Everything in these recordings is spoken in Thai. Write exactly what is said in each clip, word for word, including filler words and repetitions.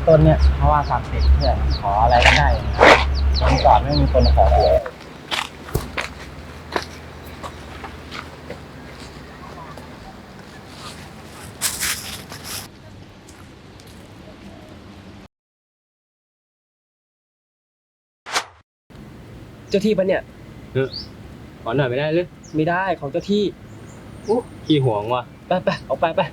ต้นเนี่ยเพราะว่าศักดิ์สิทธิ์เพื่อนขออะไรก็ได้วันก่อนไม่มีคนมาขอหวยเจ้าที่ปะเนี่ยขอหน่อยไม่ได้หรือไม่ได้ของเจ้าที่อู้ขี้ห่วงว่ะไปไปออกไปไป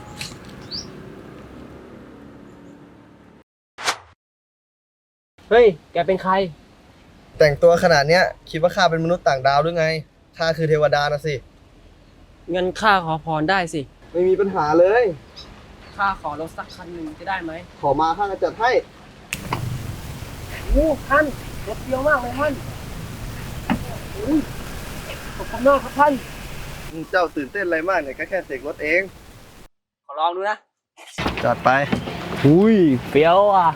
เฮ้ยแกเป็นใครแต่งตัวขนาดเนี้ยคิดว่าข้าเป็นมนุษย์ต่างดาวหรือไงข้าคือเทวดานะสิเงินข้าขอพรได้สิไม่มีปัญหาเลยข้าขอรถสักคันหนึ่งจะได้ไหมขอมาข้าจะจัดให้โอ้ท่านรถเยอะมากเลยท่านอุ้ยขอบคุณมากครับท่านเจ้าตื่นเต้นอะไรมากเนี่ยก็แค่เสกรถเองขอลองดูนะจัดไปอุ้ยเฟี้ยวอ่ะ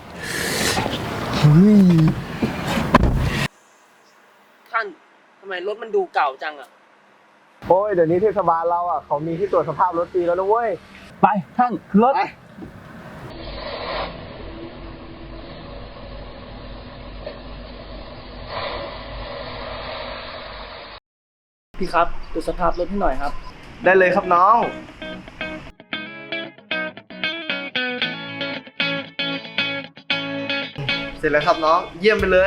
ท่านทำไมรถมันดูเก่าจังอ่ะโอ้ยเดี๋ยวนี้เทศบาลเราอ่ะเขามีที่ตรวจสภาพรถฟรีแล้วนะเว้ยไปท่านรถไปพี่ครับดูสภาพรถให้หน่อยครับได้เลยครับน้อง เสร็จแล้วครับน้อง เยี่ยมไปเลย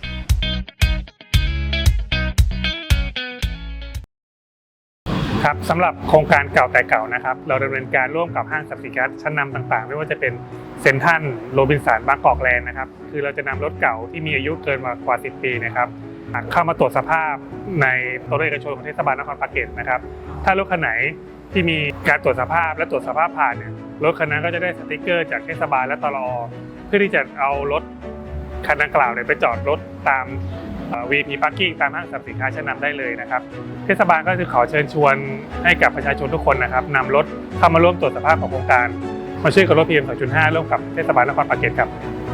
ครับสำหรับโครงการเก่าแต่เก่านะครับเราดำเนินการร่วมกับห้างสรรพสินค้าชั้นนำต่างๆ ไม่ว่าจะเป็นเซ็นทรัลโรบินสันบางกอกแลนด์นะครับคือเราจะนำรถเก่าที่มีอายุเกินมากว่าสิบปีนะครับเข้ามาตรวจสภาพในตัวรถเอกชนของเทศบาลนครปากเกร็ดนะครับถ้ารถคันไหนที่มีการตรวจสภาพและตรวจสภาพผ่านเนี่ยรถคันนั้นก็จะได้สติกเกอร์จากเทศบาลและตลอเพื่อที่จะเอารถคันดังกล่าวเนี่ยไปจอดรถตาม วี พี Parking ตามห้างสรรพสินค้าชั้นนำได้เลยนะครับเทศบาลก็จะขอเชิญชวนให้กับประชาชนทุกคนนะครับนำรถเข้ามาร่วมตรวจสภาพของโครงการมาช่วยกับรถ พี เอ็ม สองจุดห้า ร่วมกับเทศบาลนครปากเกร็ดครับ